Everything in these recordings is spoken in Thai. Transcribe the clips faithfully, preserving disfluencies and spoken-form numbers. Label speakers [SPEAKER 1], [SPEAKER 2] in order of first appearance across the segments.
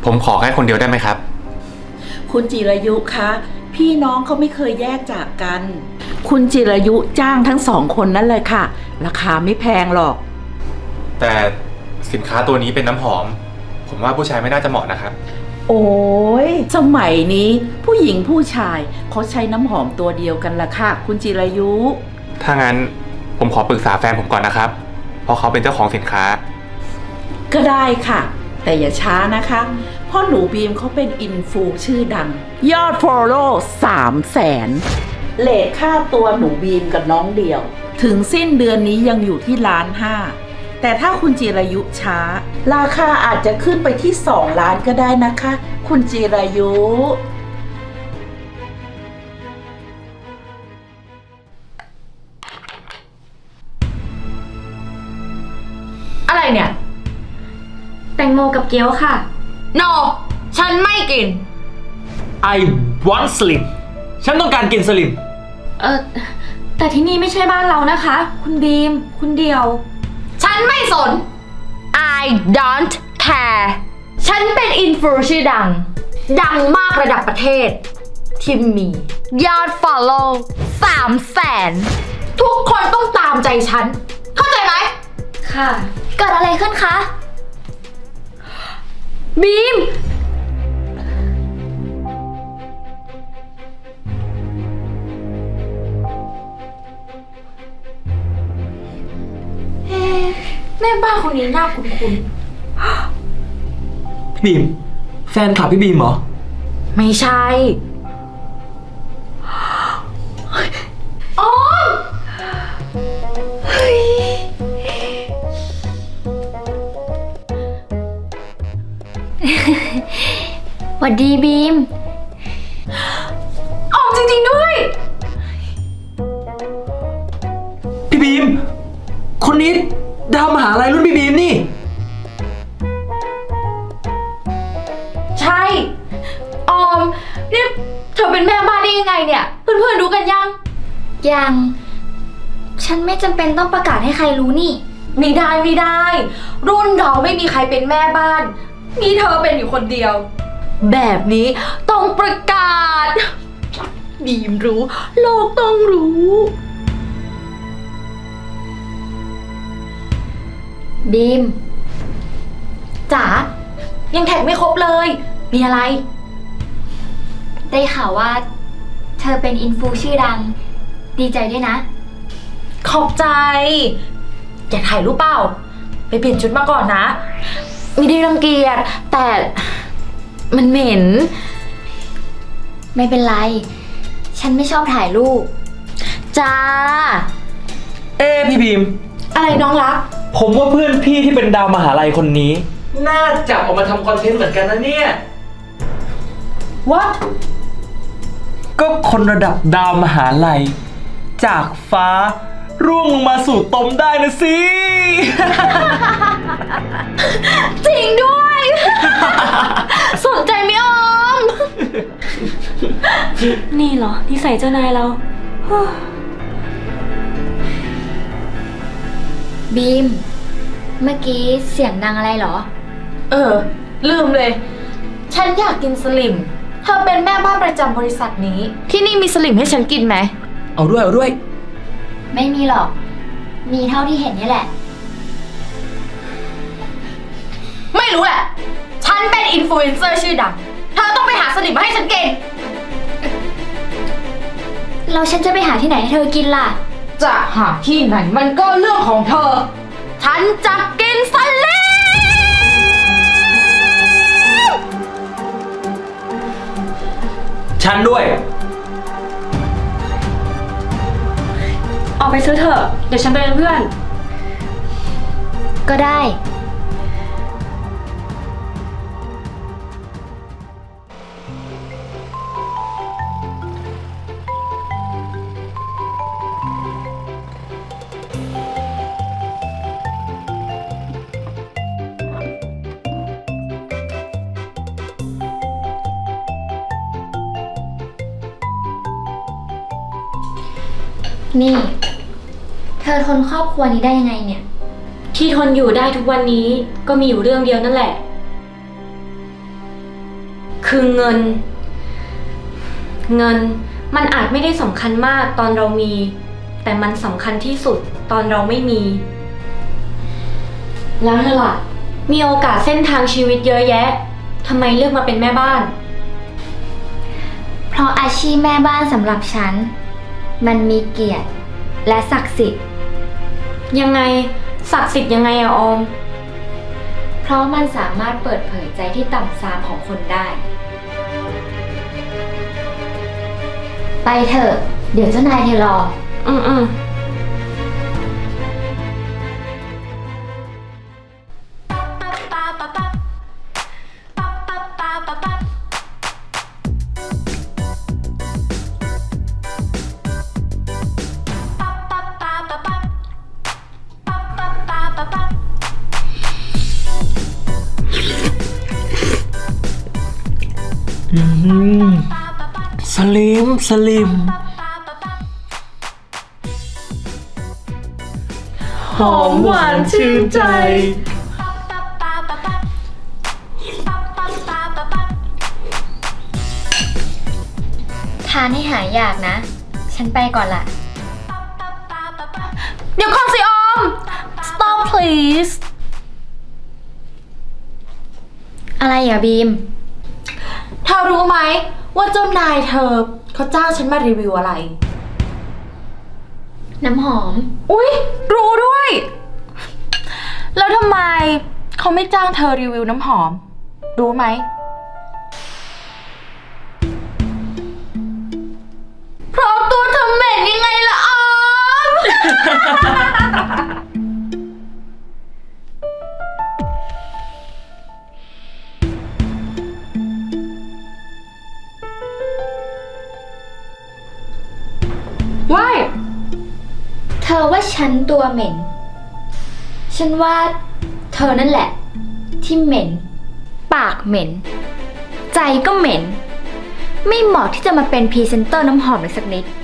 [SPEAKER 1] ผมขอแค่คนเดียวได้ไหมครับ
[SPEAKER 2] คุณจิรายุคะพี่น้องเขาไม่เคยแยกจากกัน คุณจิรายุจ้างทั้งสองคนนั่นเลยค่ะราคาไม่แพงหรอก
[SPEAKER 1] แต่สินค้าตัวนี้เป็นน้ำหอมผมว่าผู้ชายไม่น่าจะเหมาะนะครับ
[SPEAKER 2] โอ้ยสมัยนี้ผู้หญิงผู้ชายเขาใช้น้ำหอมตัวเดียวกันละค่ะคุณจิรายุ
[SPEAKER 1] ถ้างั้นผมขอปรึกษาแฟนผมก่อนนะครับเพราะเขาเป็นเจ้าของสินค้า
[SPEAKER 2] ก็ได้ค่ะแต่อย่าช้านะคะเพราะหนูบีมเขาเป็นอินฟูชื่อดังยอดฟอลโล่สามแสนเลทค่าตัวหนูบีมกับน้องเดี่ยวถึงสิ้นเดือนนี้ยังอยู่ที่ล้านห้าแต่ถ้าคุณจิรายุช้าราคาอาจจะขึ้นไปที่สองล้านก็ได้นะคะคุณจิรายุ
[SPEAKER 3] อะไรเนี่ยแตงโมกับเกี๊ยวค่ะ
[SPEAKER 4] no ฉันไม่กิน
[SPEAKER 5] I want slim ฉันต้องการกินสลิม
[SPEAKER 3] เออแต่ที่นี่ไม่ใช่บ้านเรานะคะคุณบีมคุณเดียว
[SPEAKER 4] ฉันไม่สน I don't care ฉันเป็นอินฟลูชื่อดังดังมากระดับประเทศที่มียอด follow สามแสนทุกคนต้องตามใจฉันเข้าใจไหม
[SPEAKER 3] ค่ะเกิดอะไรขึ้นคะ
[SPEAKER 4] บีมเฮ้แม่บ้านคนนี้น่าคุ้น
[SPEAKER 5] ๆพี่บีมแฟนคลับพี่บีมเหรอ
[SPEAKER 4] ไม่ใช่อ๋อเฮ้ย
[SPEAKER 3] หวัดดีบีม
[SPEAKER 4] ออกจริงๆด้วย
[SPEAKER 5] พี่บีมคนนี้ดาวมหาลัยรุ่นพี่บีมนี่
[SPEAKER 4] ใช่ออมนี่เธอเป็นแม่บ้านได้ยังไงเนี่ยเพื่อนๆรู้กันยัง
[SPEAKER 3] ยังฉันไม่จำเป็นต้องประกาศให้ใครรู้นี่
[SPEAKER 4] ไม่ได้ไม่ได้รุ่นเราไม่มีใครเป็นแม่บ้านมีเธอเป็นอยู่คนเดียวแบบนี้ต้องประกาศบีมรู้โลกต้องรู้
[SPEAKER 3] บีม
[SPEAKER 4] จ๋ายังแท็กไม่ครบเลยมีอะไร
[SPEAKER 3] ได้ข่าวว่าเธอเป็นอินฟูชื่อดังดีใจด้วยนะ
[SPEAKER 4] ขอบใจอยากถ่ายรูปเปล่าไปเปลี่ยนชุดมาก่อนนะไม่ได้รังเกียจแต่มันเหม็น
[SPEAKER 3] ไม่เป็นไรฉันไม่ชอบถ่ายรูป
[SPEAKER 4] จ้า
[SPEAKER 5] เอ้พี่บีม
[SPEAKER 4] อะไรน้องรัก
[SPEAKER 5] ผมว่าเพื่อนพี่ที่เป็นดาวมหาลัยคนนี้น่าจับออกมาทำคอนเทนต์เหมือนกันนะเนี่ย
[SPEAKER 4] What
[SPEAKER 5] ก็คนระดับดาวมหาลัยจากฟ้าร่วงลงมาสู่ตมได้นะสิ
[SPEAKER 4] จริงด้วย สนใจไหมออม
[SPEAKER 3] นี่เหรอนิสัยเจ้านายเราบีมเมื่อกี้เสียงดังอะไรเหรอ
[SPEAKER 4] เออลืมเลยฉันอยากกินสลิมเธอเป็นแม่บ้านประจำบริษัทนี้ที่นี่มีสลิมให้ฉันกินไหม
[SPEAKER 5] เอาด้วยเอาด้วย
[SPEAKER 3] ไม่มีหรอกมีเท่าที่เห็นนี่แหละ
[SPEAKER 4] ไม่รู้แหละฉันเป็นอินฟลูเอนเซอร์ชื่อดังเธอต้องไปหาสลิมมาให้ฉันกิน
[SPEAKER 3] แล้วฉันจะไปหาที่ไหนให้เธอกินล่ะ
[SPEAKER 4] จะหาที่ไหนมันก็เรื่องของเธอฉันจะกินสลิม
[SPEAKER 5] ฉันด้วย
[SPEAKER 3] ออกไปซื้อเถอะเดี๋ยวฉันไปเป็นเพื่อนก็ได้ นี่เธอทนครอบครัวนี้ได้ยังไงเนี่ย
[SPEAKER 6] ที่ทนอยู่ได้ทุกวันนี้ก็มีอยู่เรื่องเดียวนั่นแหละ
[SPEAKER 4] คือเงิน เงินมันอาจไม่ได้สำคัญมากตอนเรามี แต่มันสำคัญที่สุดตอนเราไม่มี แล้วเธอล่ะ มีโอกาสเส้นทางชีวิตเยอะแยะทำไมเลือกมาเป็นแม่บ้าน
[SPEAKER 3] เพราะอาชีพแม่บ้านสำหรับฉัน มันมีเกียรติและศักดิ์สิทธิ์
[SPEAKER 4] ยังไงศักดิ์สิทธิ์ยังไงอะออม
[SPEAKER 3] เพราะมันสามารถเปิดเผยใจที่ต่ำทรามของคนได้ ไปเถอะ เดี๋ยวเจ้านายเธอรอ
[SPEAKER 4] อืมอืม
[SPEAKER 5] อืมสลิมสลิมหอมหวานชื่นใจ
[SPEAKER 3] ทานให้หายอยากนะ ฉันไปก่อนละ
[SPEAKER 4] เดี๋ยวก่อนสิออม stop please
[SPEAKER 3] อะไรอ่ะบีม
[SPEAKER 4] เธอรู้ไหมว่าเจ้านายเธอเขาจ้างฉันมารีวิวอะไร
[SPEAKER 3] น้ำหอม
[SPEAKER 4] อุ๊ย รู้ด้วย แล้วทำไมเขาไม่จ้างเธอรีวิวน้ำหอม รู้ไหม เพราะตัวเธอเหม็นยังไงล่ะออม ว้าย
[SPEAKER 3] เธอว่าฉันตัวเหม็น ฉันว่าเธอนั่นแหละ ที่เหม็น ปากเหม็น ใจก็เหม็น ไม่เหมาะที่จะมาเป็นพรีเซนเตอร์น้ำหอมเลยสักนิด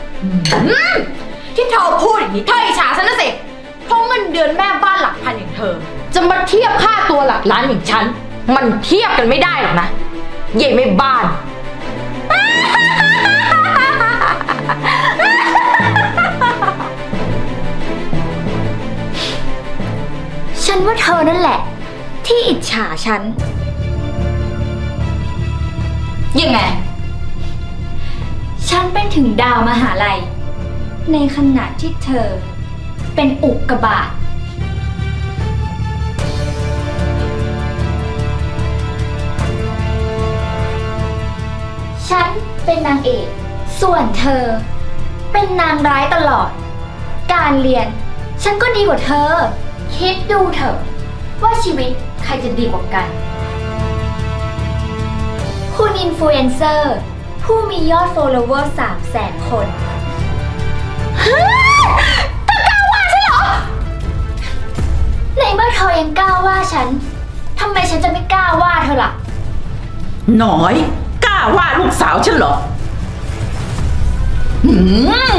[SPEAKER 4] ที่เธอพูดอย่างนี้เธออิจฉาฉันนะสิ เพราะเงินเดือนแม่บ้านหลักพันอย่างเธอ จะมาเทียบค่าตัวหลักล้านอย่างฉัน มันเทียบกันไม่ได้หรอกนะเย่แม่บ้าน
[SPEAKER 3] ฉันว่าเธอนั่นแหละ ที่อิจฉาฉัน
[SPEAKER 4] ยังไง
[SPEAKER 3] ฉันเป็นถึงดาวมหาลัย ในขณะที่เธอ เป็นอุกกาบาต ฉันเป็นนางเอก ส่วนเธอ เป็นนางร้ายตลอด การเรียน ฉันก็ดีกว่าเธอ คิดดูเถอะว่าชีวิตใครจะดีกว่ากัน คุณอินฟลูเอนเซอร์ผู้มียอด follower สามแสนคนเฮ้ยเธอกล้าว่าฉันเหรอ ในเมื่อเธอยังกล้าว่าฉัน ทำไมฉันจะไม่กล้าว่าเธอล่ะ
[SPEAKER 2] หน่อยกล้าว่าลูกสาวฉันเหรอหืม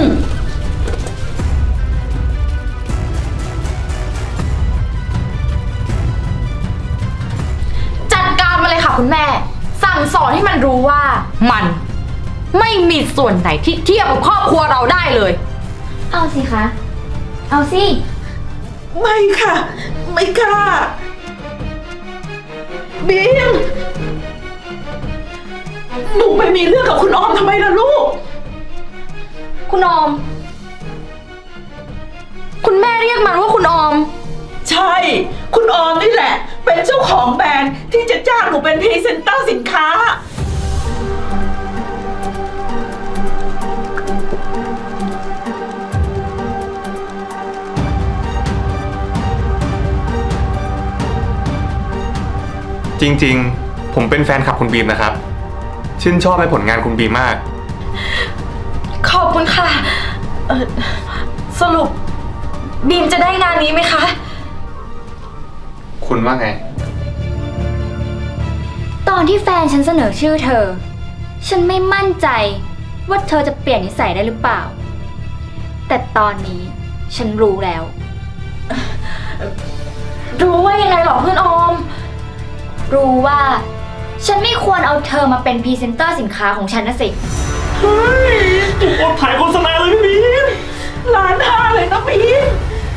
[SPEAKER 4] จัดการมาเลยค่ะคุณแม่ สั่งสอนให้มันรู้ว่า มัน ไม่มีส่วนไหนที่เทียบกับครอบครัวเราได้เลย
[SPEAKER 3] เอาสิคะ เอาสิ
[SPEAKER 2] ไม่ค่ะ ไม่กล้าบีมหนูไปมีเรื่องกับคุณออมทำไมล่ะลูก
[SPEAKER 4] คุณออม คุณแม่เรียกมันว่าคุณออม
[SPEAKER 2] ใช่ คุณออมนี่แหละ เป็นเจ้าของแบรนด์ที่จะจ้างหนูเป็นพรีเซนเตอร์สินค้า
[SPEAKER 1] จริงๆ ผมเป็นแฟนคลับคุณบีมนะครับ ชื่นชอบในผลงานคุณบีมมาก
[SPEAKER 4] ขอบคุณค่ะ เออสรุป บีมจะได้งานนี้ไหมคะ
[SPEAKER 1] คุณว่าไง
[SPEAKER 3] ตอนที่แฟนฉันเสนอชื่อเธอ ฉันไม่มั่นใจว่าเธอจะเปลี่ยนนิสัยได้หรือเปล่า แต่ตอนนี้ฉันรู้แล้ว
[SPEAKER 4] รู้ว่ายังไงหรอเพื่อนออม
[SPEAKER 3] รู้ว่าฉันไม่ควรเอาเธอมาเป็นพรีเซนเตอร์สินค้าของฉันนะสิ
[SPEAKER 5] เฮ้ยจุกอดถ่ายโฆษณาเลยพี่บีม
[SPEAKER 2] ล้านห้าเลยนะบีม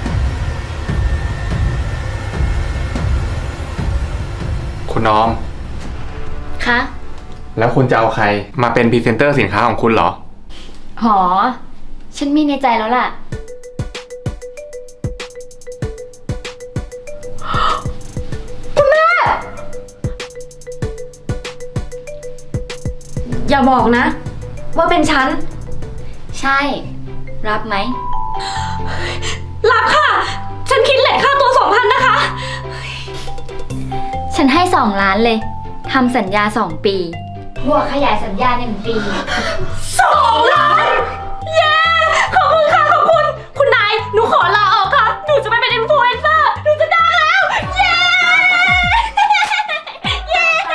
[SPEAKER 1] คุณน้อง
[SPEAKER 3] คะ
[SPEAKER 1] แล้วคุณจะเอาใครมาเป็นพรีเซนเตอร์สินค้าของคุณเหรอ
[SPEAKER 3] หอ ฉันมีในใจแล้วล่ะ
[SPEAKER 4] อย่าบอกนะ ว่าเป็นฉัน
[SPEAKER 3] ใช่ รับไหม
[SPEAKER 4] รับค่ะ ฉันคิดเลทค่าตัวสองพันนะคะ
[SPEAKER 3] ฉันให้สองล้านเลย ทำสัญญาสองปี บวกขยายสัญญาหนึ่งปี
[SPEAKER 4] สองล้าน เย้ ขอบคุณค่ะ ขอบคุณ คุณนาย หนูขอลาออกค่ะ หนูจะไม่เป็นอินฟลูเอนเซอร์ หนูจะดังแล้ว เย้ เย้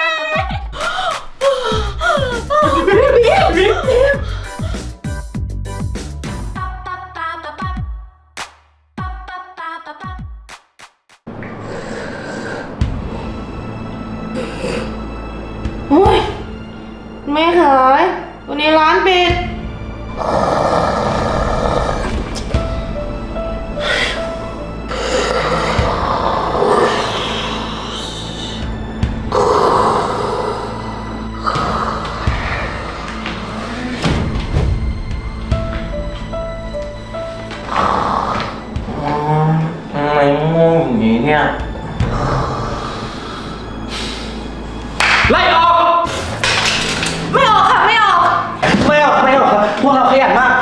[SPEAKER 6] โอ้ยไม่ขายวันนี้ร้านปิด
[SPEAKER 5] ทำไมง่วงอย่างนี้เนี่ย ไล่ออก
[SPEAKER 4] ไม่ออกค่ะ ไม่ออก
[SPEAKER 5] ไม่ออกไม่ออกครับพวกเราขยันมาก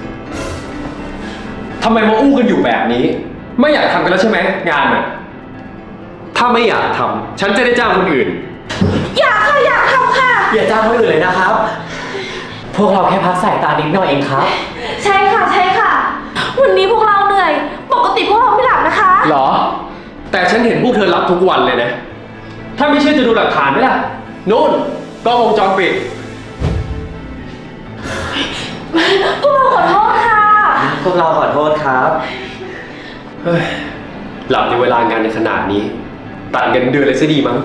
[SPEAKER 7] ทำไมมาอู้กันอยู่แบบนี้ ไม่อยากทำกันแล้วใช่ไหมงานน่ะ ถ้าไม่อยากทำฉันจะได้จ้างคนอื่น
[SPEAKER 4] อยากค่ะ อยากทำค่ะ
[SPEAKER 5] อย่าจ้างคนอื่นเลยนะครับ พวกเราแค่พักสายตานิดหน่อยเองครับ
[SPEAKER 4] ใช่ค่ะ ใช่ค่ะ วันนี้พวกเราเหนื่อย ปกติพวกเราไม่หลับนะคะ
[SPEAKER 7] เหรอ แต่ฉันเห็นพวกเธอรับทุกวันเลยนะ ถ้าไม่เชื่อจะดูหลักฐานไหมล่ะนู่นกล้องวงจรปิด
[SPEAKER 4] พวกเราขอโทษค่ะ
[SPEAKER 5] พวกเราขอโทษครับ
[SPEAKER 7] เฮ้ย หลับในเวลางานในขนาดนี้ ตัดเงินเดือนเลยซะดีมั้ง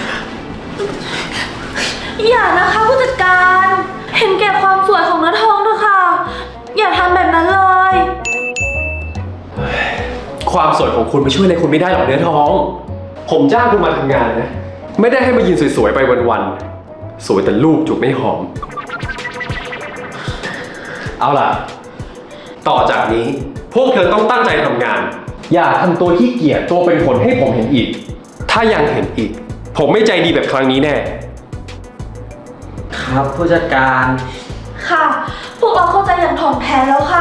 [SPEAKER 4] อย่านะคะผู้จัดการ เห็นแก่ความสวยของเนื้อทองเถอะค่ะ อย่าทำแบบนั้นเลย
[SPEAKER 7] ความสวยของคุณมาช่วยอะไรคุณไม่ได้หรอกเนื้อทอง ผมจ้างคุณมาทำงานนะ ไม่ได้ให้มายืนสวยๆไปวันๆ สวยแต่รูปจุกไม่หอม เอาล่ะ ต่อจากนี้พวกเธอต้องตั้งใจทำงาน อย่าทำตัวขี้เกียจตัวเป็นผลให้ผมเห็นอีก ถ้ายังเห็นอีก ผมไม่ใจดีแบบครั้งนี้แน่
[SPEAKER 5] ครับผู้จัดการ
[SPEAKER 4] ค่ะ พวกเราเข้าใจอย่างถ่องแท้แล้วค่ะ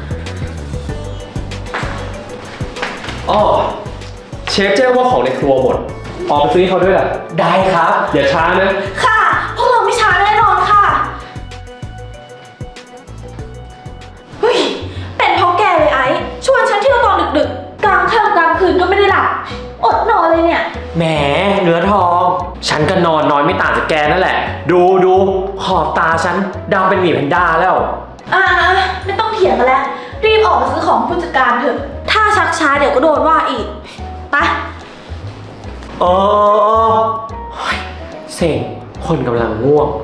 [SPEAKER 7] อ้อ เชฟแจ้งว่าของในครัวหมด ออกไปซื้อให้เขาด้วยล่ะ
[SPEAKER 5] ได้ครับ
[SPEAKER 7] อย่าช้านะ
[SPEAKER 4] ค่ะ พวกเราไม่ช้าแน่นอนค่ะ เฮ้ย เป็นเพราะแกเลยไอ้ ชวนฉันเที่ยวตอนดึกๆ กลางค่ำกลางคืนก็ไม่ได้หลับ อดนอนเลยเนี่ย
[SPEAKER 5] แหมเนื้อทอง ฉันก็นอนน้อยไม่ต่างจากแกนั่นแหละ ดูดูขอบตาฉันดำเป็นหมีแพนด้าแล้ว
[SPEAKER 4] อ่าไม่ต้องเถียงกันแล้ว รีบออกมาซื้อของผู้จัดการเถอะ ถ้าชักช้าเดี๋ยวก็โดนว่าอีก ไป
[SPEAKER 5] โอ้ยเซ็งคนกำลังง่วง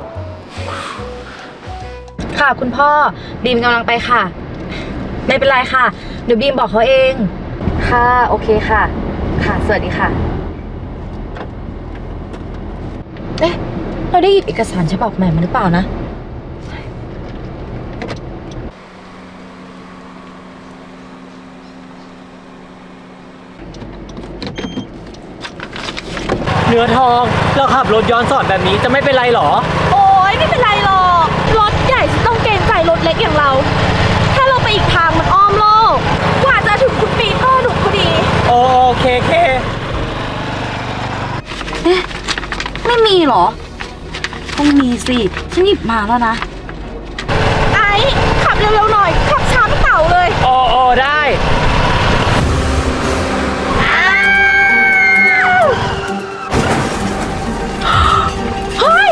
[SPEAKER 8] ค่ะคุณพ่อบีมกำลังไปค่ะ ไม่เป็นไรค่ะเดี๋ยวบีมบอกเขาเอง ค่ะโอเคค่ะ ค่ะสวัสดีค่ะ เอ๊ะเราได้หยิบเอกสารฉบับใหม่มาหรือเปล่านะ
[SPEAKER 5] เนื้อทองเราขับรถย้อนสอนแบบนี้จะไม่เป็นไรหรอ
[SPEAKER 4] โอ๊ยไม่เป็นไรหรอก รถใหญ่จะต้องเกรงใจรถเล็กอย่างเรา ถ้าเราไปอีกทางมันอ้อมโลก กว่าจะถึงคุณปีเตอร์ดุพอดี
[SPEAKER 5] โอเคเค
[SPEAKER 8] ไม่มีเหรอ ต้องมีสิ ฉันหยิบมาแล้วนะ
[SPEAKER 4] ไอ้ขับเร็วๆหน่อย ขับช้าไม่เต่าเลย
[SPEAKER 5] โอโอได้
[SPEAKER 4] เฮ้ย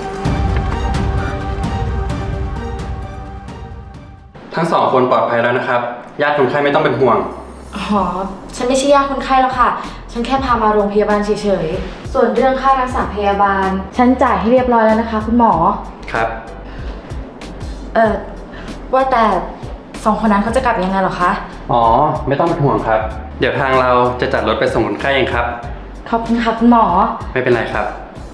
[SPEAKER 1] ทั้งสองคนปลอดภัยแล้วนะครับ ญาติคนไข้ไม่ต้องเป็นห่วง
[SPEAKER 8] อ๋อ ฉันไม่ใช่ญาติคนไข้แล้วค่ะฉันแค่พามาโรงพยาบาลเฉยๆ ส่วนเรื่องค่ารักษาพยาบาล ฉันจ่ายให้เรียบร้อยแล้วนะคะ คุณหมอ
[SPEAKER 7] ครับ
[SPEAKER 8] เออว่าแต่สองคนนั้นเขาจะกลับยังไงเหรอคะ
[SPEAKER 7] อ๋อ ไม่ต้องเป็นห่วงครับ เดี๋ยวทางเราจะจัดรถไปส่งคนไข้เองครับ
[SPEAKER 8] ขอบคุณค่ะคุณหมอ
[SPEAKER 7] ไม่เป็นไรครับ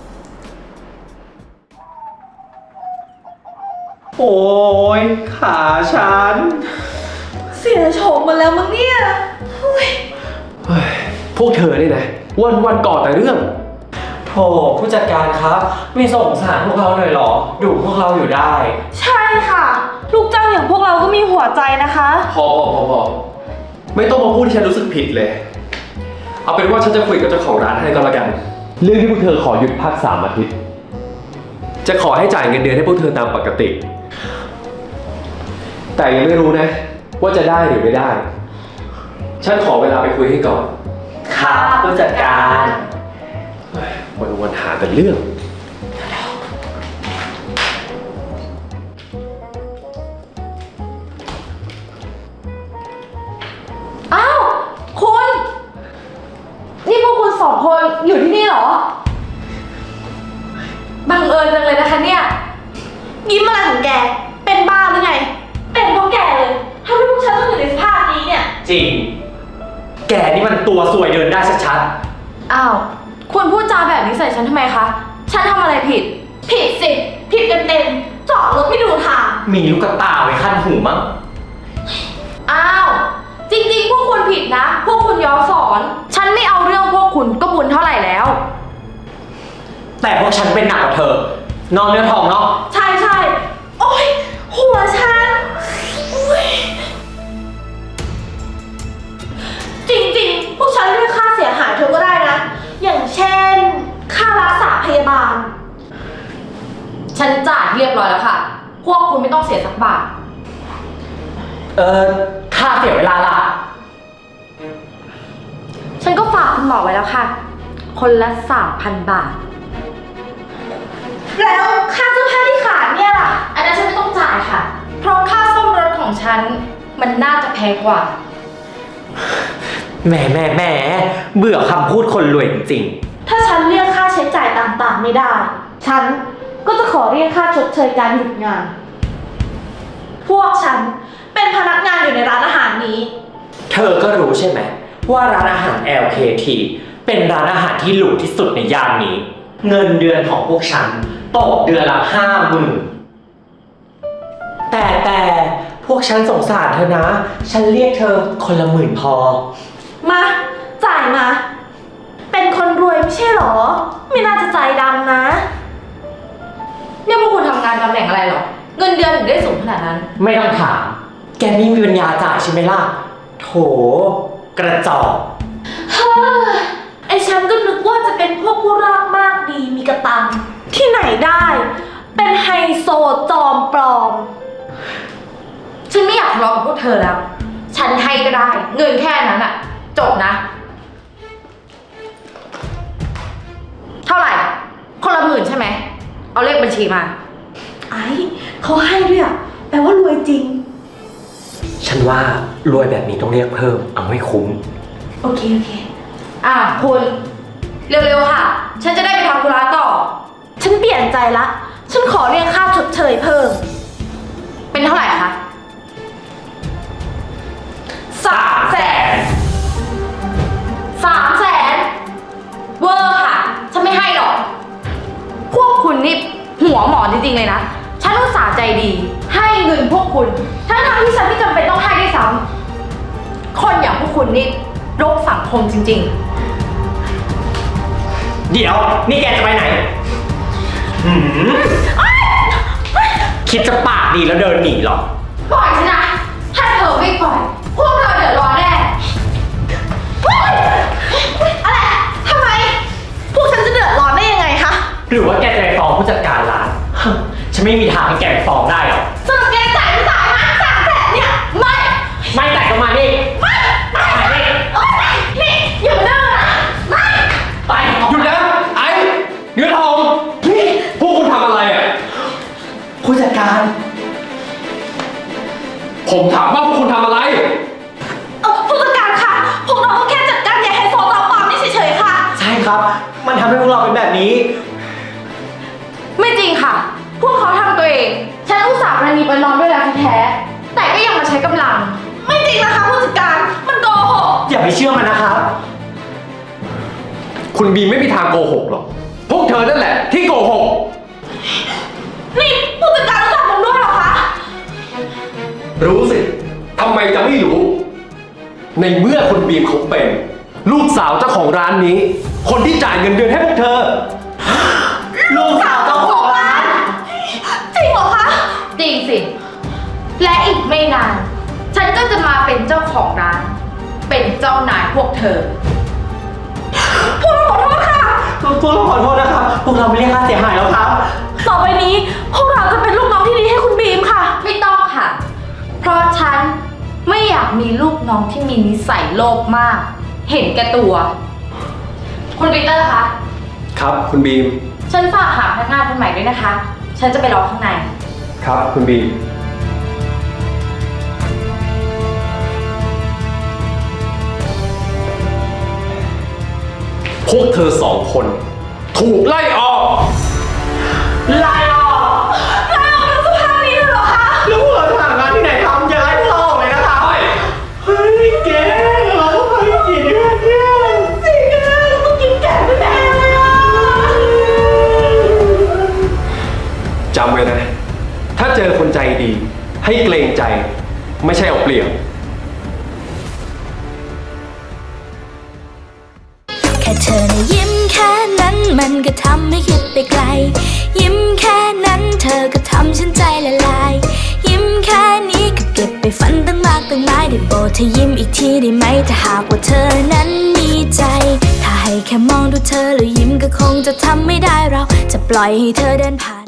[SPEAKER 5] โอ้ยขาฉัน
[SPEAKER 6] เสียโฉมหมาแล้วมั้งเนี่ย
[SPEAKER 7] เฮ้ย พวกเธอนี่นะ วันวันๆก่อแต่เรื่อง
[SPEAKER 5] โถผู้จัดการครับไม่สงสารพวกเราหน่อยเหรอ ดูพวกเราอยู่ได้
[SPEAKER 6] ใช่ค่ะ ลูกจ้างอย่างพวกเราก็มีหัวใจนะคะ
[SPEAKER 7] พอพอพอพอไม่ต้องมาพูดที่ฉันรู้สึกผิดเลย เอาเป็นว่าฉันจะคุยกับเจ้าของร้านให้ก็แล้วกัน เรื่องที่พวกเธอขอหยุดพักสามอาทิตย์ จะขอให้จ่ายเงินเดือนให้พวกเธอตามปกติ แต่ยังไม่รู้นะ ว่าจะได้หรือไม่ได้ ฉันขอเวลาไปคุยให้ก่อน
[SPEAKER 5] ครับผู้จัดการ
[SPEAKER 7] วันวันๆหาแต่เรื่อง
[SPEAKER 8] อ้าว คุณ นี่พวกคุณสองคนอยู่ที่นี่เหรอ บังเอิญจังเลยนะคะเนี่ย
[SPEAKER 6] ยิ้มอะไรของแก เป็นบ้าหรือไง เป็นเพราะแกเลยทำให้พวกฉันต้องอยู่ในสภาพนี้เนี่ย
[SPEAKER 5] จริง แกนี่มันตัวสวยเดินได้ชัด
[SPEAKER 8] อ้าว คุณพูดจาแบบนี้ใส่ฉันทำไมคะ ฉันทำอะไรผิด
[SPEAKER 6] ผิดสิ ผิดเต็มๆจอดรถไม่ดูทาง
[SPEAKER 5] ๆมีลูกกระตาไว้ขั้นหูมั้ง
[SPEAKER 8] อ้าว จริงๆ พวกคุณผิดนะ พวกคุณย้อนสอน ฉันไม่เอาเรื่องพวกคุณก็บุญเท่าไหร่แล้ว
[SPEAKER 5] แต่พวกฉันเป็นหนักกว่าเธอ นอนเนื้อทองเนาะ
[SPEAKER 6] ใช่ใช่โอ๊ย หัวฉันโอ๊ยจริงๆ พวกฉันเรียกค่าเสียหายเธอก็ได้นะ อย่างเช่น ค่ารักษาพยาบาล
[SPEAKER 8] ฉันจ่ายเรียบร้อยแล้วค่ะ พวกคุณไม่ต้องเสียสักบาท
[SPEAKER 5] เออค่าเสียเวลาล่ะ
[SPEAKER 8] ฉันก็ฝากคุณหมอไว้แล้วค่ะ คนละสามพันบาท
[SPEAKER 6] แล้วค่าเสื้อผ้าที่ขาดเนี่ยล่ะ
[SPEAKER 8] อันนั้นฉันไม่ต้องจ่ายค่ะ เพราะค่าซ่อมรถของฉัน มันน่าจะแพงกว่า
[SPEAKER 5] แหมแหมแหมเบื่อคำพูดคนรวยจริง
[SPEAKER 6] ถ้าฉันเรียกค่าใช้จ่ายต่างๆไม่ได้ ฉันก็จะขอเรียกค่าชดเชยการหยุดงาน พวกฉันเป็นพนักงานอยู่ในร้านอาหารนี้
[SPEAKER 5] ๆ เธอก็รู้ใช่ไหมว่าร้านอาหาร แอล เค ที เป็นร้านอาหารที่หรูที่สุดในย่านนี้ เงินเดือนของพวกฉันตกเดือนละห้าหมื่นแต่แต่พวกฉันสงสารเธอนะ ฉันเรียกเธอคนละหมื่นพอ
[SPEAKER 6] มา จ่ายมา เป็นคนรวยไม่ใช่หรอ ไม่น่าจะใจดำนะ
[SPEAKER 8] เนี่ยพวกคุณทำงานตำแหน่งอะไรหรอ เงินเดือนถึงได้สูงขนาดนั้น
[SPEAKER 5] ไม่ต้องถาม แกนี่มีปัญญาจ่ายใช่ไหมล่ะ โถ กระจอก
[SPEAKER 6] เฮ้อไอฉันก็นึกว่าจะเป็นพวกผู้รากมากดีมีกระตัง ที่ไหนได้ เป็นไฮโซจอมปลอม
[SPEAKER 8] ฉันไม่อยากทะเลาะกับพวกเธอแล้ว ฉันให้ก็ได้ เงินแค่นั้นอะจบนะ เท่าไหร่ คนละหมื่นใช่ไหม เอาเลขบัญชีมา
[SPEAKER 6] ไอ้เขาให้ด้วยอ่ะแปลว่ารวยจริง
[SPEAKER 5] ฉันว่ารวยแบบนี้ต้องเรียกเพิ่ม เอาให้คุ้ม
[SPEAKER 6] โอเค โอเค
[SPEAKER 8] อ่ะคุณ เร็วๆค่ะ ฉันจะได้ไปทำธุระต่อ
[SPEAKER 6] ฉันเปลี่ยนใจละ ฉันขอเรียกค่าชดเชยเพิ่ม
[SPEAKER 8] เป็นเท่าไหร่คะ
[SPEAKER 5] สามแสน
[SPEAKER 8] สามแสนเวอร์ค่ะ ฉันไม่ให้หรอก พวกคุณนี่หัวหมอจริงๆเลยนะ ฉันอุตส่าห์ใจดี ให้เงินพวกคุณ ทั้งๆที่ฉันไม่จำเป็นต้องให้ด้วยซ้ำคนอย่างพวกคุณนี่รกสังคมจริงๆ
[SPEAKER 5] เดี๋ยว นี่แกจะไปไหนหืมคิดจะปากดีแล้วเดินหนีเหรอ
[SPEAKER 8] ปล่อยฉันนะ ถ้าเธอไม่ปล่อย พวกเธอเดือดร้อนแน่
[SPEAKER 6] อะไร ทำไม พวกฉันจะเดือดร้อนได้ยังไงคะ
[SPEAKER 5] หรือว่าแกจะไปฟ้องผู้จัดการร้าน ฉันไม่มีทางให้แกไปฟ้องได้หรอก
[SPEAKER 6] สรุปแกจ่ายไม่จ่ายนะสามแสนเนี่ย ไม่
[SPEAKER 5] ไม่แต่ก็มาดิ
[SPEAKER 6] ไม่ไม่
[SPEAKER 5] ไปดิ
[SPEAKER 6] โอ๊ยนี่อย่ามาเดินนะไม่
[SPEAKER 5] ไป
[SPEAKER 7] หยุดนะ ไอ้เนื้อทองนี่พวกคุณทำอะไรอ่ะ
[SPEAKER 5] ผู้จัดการ
[SPEAKER 7] ผมถามว่าพวกคุณทำอะไร
[SPEAKER 6] เออผู้จัดการคะพวกเราก็แค่จัดการยายไฮโซจอมปลอมนี่เฉ
[SPEAKER 5] ครับ มันทำให้พวกเราเป็นแบบนี้
[SPEAKER 8] ไม่จริงค่ะ พวกเขาทำตัวเอง ฉันอุตส่าห์ประนีประนอมด้วยแล้วแท้ๆแต่ก็ยังมาใช้กำลัง
[SPEAKER 6] ไม่จริงนะคะผู้จัดการ มันโกหก
[SPEAKER 5] อย่าไปเชื่อมันนะครับ
[SPEAKER 7] คุณบีมไม่มีทางโกหกหรอก พวกเธอนั่นแหละที่โกหก
[SPEAKER 6] นี่ผู้จัดการรู้จักผมด้วยเหรอคะ
[SPEAKER 7] รู้สิ ทำไมจะไม่รู้ ในเมื่อคุณบีมเขาเป็น ลูกสาวเจ้าของร้านนี้ คนที่จ่ายเงินเดือนให้พวกเธอ
[SPEAKER 5] ลูกสาวเจ้าของร้าน
[SPEAKER 6] จริงเหรอคะ
[SPEAKER 8] จริงสิ และอีกไม่นาน ฉันก็จะมาเป็นเจ้าของร้าน เป็นเจ้านายพวกเธอ
[SPEAKER 6] พวกเราขอโทษค่ะ
[SPEAKER 5] พวกเราขอโทษนะครับ พวกเราไม่เรียกค่าเสียหายแล้วครับ
[SPEAKER 6] ต่อไปนี้พวกเราจะเป็นลูกน้องที่ดีให้คุณบีมค่ะ
[SPEAKER 8] ไม่ต้องค่ะ เพราะฉันไม่อยากมีลูกน้องที่มีนิสัยโลภมาก เห็นแก่ตัว คุณปีเตอร์คะ
[SPEAKER 7] ครับคุณบีม
[SPEAKER 8] ฉันฝากหาพนักงานคนใหม่ด้วยนะคะ ฉันจะไปรอข้างใน
[SPEAKER 7] ครับคุณบีม พวกเธอสองคน ถูกไล่ออก
[SPEAKER 5] ไล่ออกไล่ออกทั้งสภาพนี้เลยเหรอคะแล้วพวกเราจะหางานที่ไหนทำอย่าไล่พวกเราออกเลยนะคะเฮ้ยแกเราต้องทำอีกกี่เดือนเนี่ยสี่เดือนเราต้องกินแกะแน่เลยอ่ะ
[SPEAKER 7] จำไว้นะ ถ้าเจอคนใจดี ให้เกรงใจ ไม่ใช่เอาเปรียบ
[SPEAKER 9] แค่เธอนะยิ้มแค่นั้นมันก็ทำให้คิดไปไกล ยิ้มแค่นั้นเธอก็ทำฉันใจละลาย ยิ้มแค่นี้ก็เก็บไปฝันตั้งมากตั้งหลายได้โปรดเธอยิ้มอีกทีได้ไหมถ้าหากว่าเธอนั้นมีใจ ถ้าให้แค่มองดูเธอแล้วยิ้มก็คงจะทำไม่ได้เราจะปล่อยให้เธอเดินผ่าน